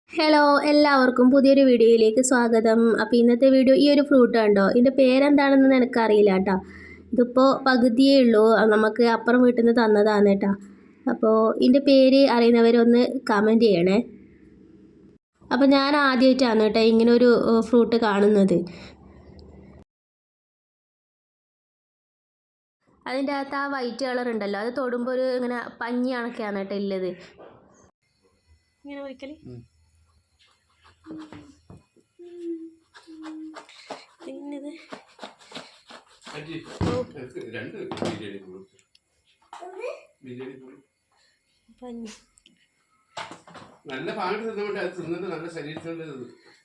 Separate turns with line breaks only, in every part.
Hello, എല്ലാവർക്കും പുതിയൊരു വീഡിയോയിലേക്ക് സ്വാഗതം. അപ്പോൾ ഇന്നത്തെ വീഡിയോ ഈ ഒരു ഫ്രൂട്ട് കണ്ടോ, ഇതിൻ്റെ പേരെന്താണെന്ന് എനിക്കറിയില്ല കേട്ടോ. ഇതിപ്പോൾ പകുതിയേ ഉള്ളൂ, നമുക്ക് അപ്പുറം വീട്ടിൽ നിന്ന് തന്നതാണ് കേട്ടോ. അപ്പോൾ ഇതിൻ്റെ പേര് അറിയുന്നവരൊന്ന് കമൻറ്റ് ചെയ്യണേ. അപ്പോൾ ഞാൻ ആദ്യമായിട്ടാണ് കേട്ടോ ഇങ്ങനെ ഒരു ഫ്രൂട്ട് കാണുന്നത്. അതിൻ്റെ അകത്ത് ആ വൈറ്റ് കളർ ഉണ്ടല്ലോ, അത് തൊടുമ്പോൾ ഒരു ഇങ്ങനെ പഞ്ഞി കണക്കെയാണ് കേട്ടോ ഉള്ളത്. ഇങ്ങനെ ഒരിക്കൽ പിന്നത്
നല്ല പാട്ട് തിന്നുകൊണ്ട് അത് തിന്നിട്ട് നല്ല ശരീരത്തിനുള്ളത്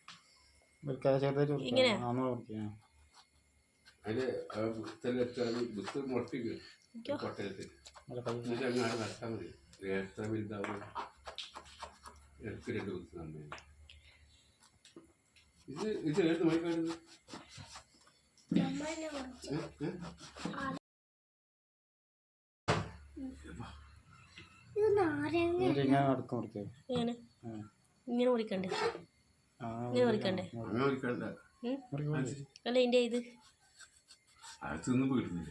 ഇങ്ങനെ
അതില് ബുത്ത് മുളപ്പിക്കും കൊട്ടയത്തിൽ എന്നിട്ട് അങ്ങാട് നടത്താൻ മതി. എത്ര വലുതാവും ഇടയ്ക്ക് 2 ബുത്ത് നന്നായി. ഇത് ഏത് മണിക്കാടുന്നത്?
ഇങ്ങനെ മുറിക്കണ്ടേ? ഇങ്ങനെ മുറിക്കണ്ടേ? അല്ല ഇതിൻ്റെ ഇത്
തിന്നു പോയിരുന്നില്ല.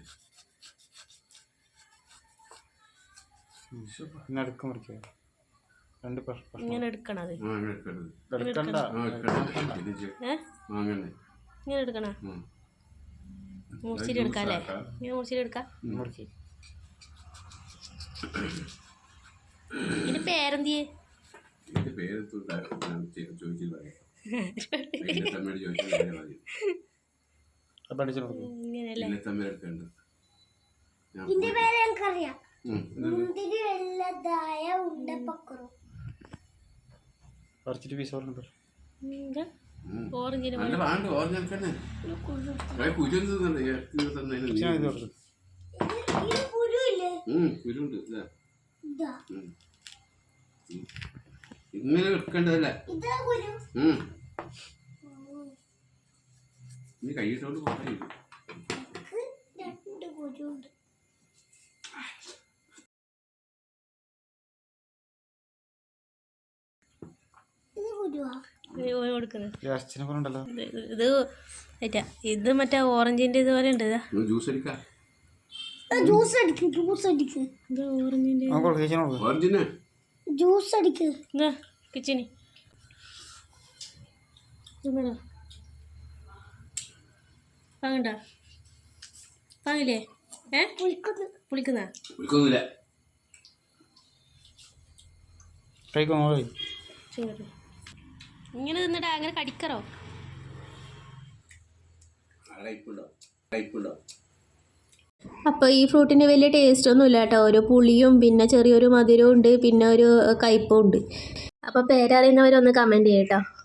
ഇങ്ങനെ എടുക്കണത്,
ഇങ്ങനെ
എടുക്കണ മുറിച്ചിട്ട് എടുക്കാം അല്ലേ? ഇങ്ങനെ മുറിച്ചിട്ട് എടുക്കാം. ഇതിന്റെ പേരെന്തിയേ? ഓറഞ്ചിന്
ഇങ്ങനെ എടുക്കേണ്ടതല്ലേ? നീ കൈയിട്ടോണ്ട് പോയി. ഇത് മറ്റേ ഓറഞ്ചിന്റെ ഇതുപോലെ ഉണ്ട്. കിച്ചണി വാങ്ങണ്ട, വാങ്ങില്ലേ? പുളിക്കുന്ന ഇങ്ങനെ തിന്നിട്ട് അങ്ങനെ കടിക്കറോ? അപ്പോൾ ഈ ഫ്രൂട്ടിന് വലിയ ടേസ്റ്റ് ഒന്നും ഇല്ല കേട്ടോ. ഒരു പുളിയും പിന്നെ ചെറിയൊരു മധുരവും ഉണ്ട്, പിന്നെ ഒരു കയ്പും ഉണ്ട്. അപ്പോൾ പേരറിയുന്നവരൊന്ന് കമൻറ്റ് ചെയ്യട്ടോ.